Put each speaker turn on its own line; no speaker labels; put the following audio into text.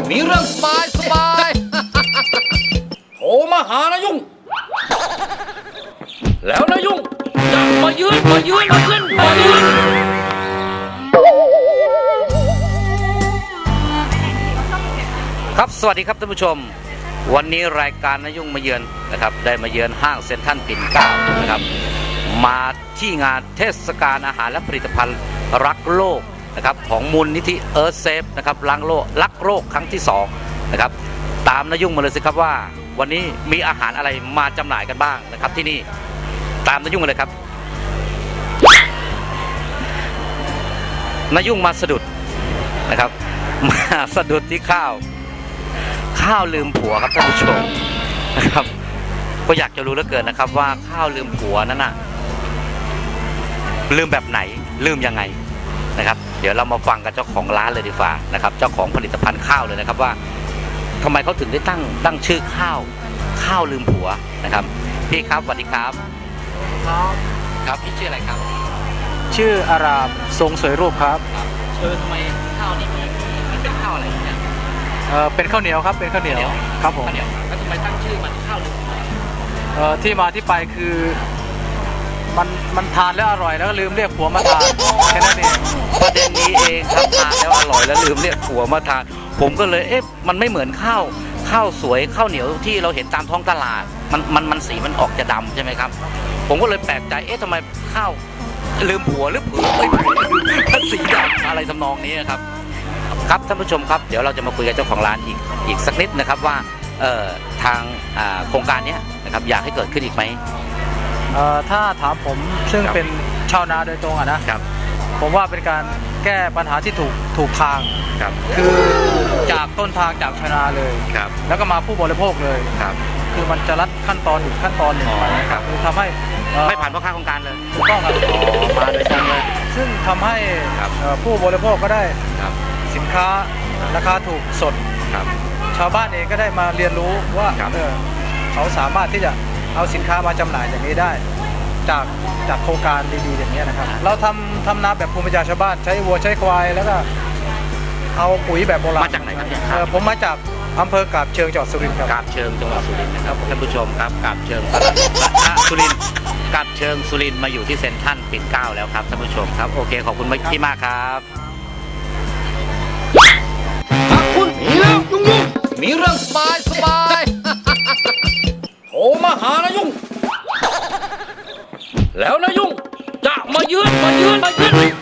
มีเรื่องสบายโทรมาหานายุ่งแล้วนายุ่งจะมายืนมายืนครับสวัสดีครับท่านผู้ชมวันนี้รายการนายุ่งมาเยือนนะครับได้มาเยือนห้างเซ็นทรัลปิ่นเกล้านะครับมาที่งานเทศกาลอาหารและผลิตภัณฑ์รักโลกนะครับของมูลนิธิเอิร์ธเซฟนะครับรักโลกครั้งที่2นะครับตามนายุ่งมาเลยสิครับว่าวันนี้มีอาหารอะไรมาจำหน่ายกันบ้างนะครับที่นี่ตามนายุ่งมาเลยครับนายุ่งมาสะดุดนะครับมาสะดุดที่ข้าวลืมผัวครับท่านผู้ชมนะครับก็อยากจะรู้เหลือเกินนะครับว่าข้าวลืมผัวนั้นน่ะลืมแบบไหนลืมยังไงนะครับเดี๋ยวเรามาฟังกับเจ้าของร้านเลยดีกว่านะครับเจ้าของผลิตภัณฑ์ข้าวเลยนะครับว่าทำไมเขาถึงได้ตั้งชื่อข้าวลืมผัวนะครับพี่ครับสวัสดีครับครับพี่ชื่ออะไรครับ
ชื่ออารามทรงสวยรูปครับ
ทำไมข้าวนี้มันเป็นข้าวอะไรเนี่ย
เป็นข้าวเหนียวครับเป็นข้าวเหนียวครับผม
ข้าวเหนียวแล้วทำไมตั้งชื่อมันข้าวลืมผัว
ที่มาที่ไปคือมันทานแล้วอร่อยแล้วก็ลืมเรียกผัวมาทานแค่นั้นเอง
ประเด็นนี้เองครับทานแล้วอร่อยแล้วลืมเรียกผัวมาทานผมก็เลยมันไม่เหมือนข้าวสวยข้าวเหนียวที่เราเห็นตามท้องตลาดมันสีมันออกจะดำใช่ไหมครับผมก็เลยแปลกใจทำไมข้าวลืมผัวหรือผัวมันสีดำอะไรทำนองนี้ครับครับท่านผู้ชมครับเดี๋ยวเราจะมาคุยกับเจ้าของร้านอีกสักนิดนะครับว่าทางโครงการนี้นะครับอยากให้เกิดขึ้นอีกไหม
ถ้าถามผมซึ่งเป็นชาวนาโดยตรงนะครับผมว่าเป็นการแก้ปัญหาที่ถูกทางคือจากต้นทางจากชาวนาเลยแล้วก็มาผู้บริโภคเลยคือมันจะรัดขั้นตอนอีกขั้นตอนหนึ่งไปนะครับคือทำให้
ไม่ผ่านพ่อค้าโครงการเลย
ถูกต้องครับ
มาโดยตรงเลย
ซึ่งทำให้ผู้บริโภคก็ได้สินค้าราคาถูกสดชาวบ้านเองก็ได้มาเรียนรู้ว่าเขาสามารถที่จะเอาสินค้ามาจำหน่ายอย่างนี้ได้จากโครงการดีๆอย่างนี้นะครับเราทำนาแบบภูมิปัญญาชาวบ้านใช้วัวใช้ควายแล้วก็เอาปุ๋ยแบบโบราณ
มาจากไหนครับ
ผมมาจากอำเภอกาบเชิงจังหวัดสุรินทร์ครับ
กาบเชิงจังหวัดสุรินทร์นะครับท่านผู้ชมครับกาบเชิงสุรินทร์กาบเชิงสุรินทร์มาอยู่ที่เซ็นทรัลปิ่นเกล้าแล้วครับท่านผู้ชมครับโอเคขอบคุณพี่มากครับถ้าคุณมีเรื่องยุ่งมีเรื่องสบายโทรมาหานายุ่งแล้วนายุ่งจะมายืน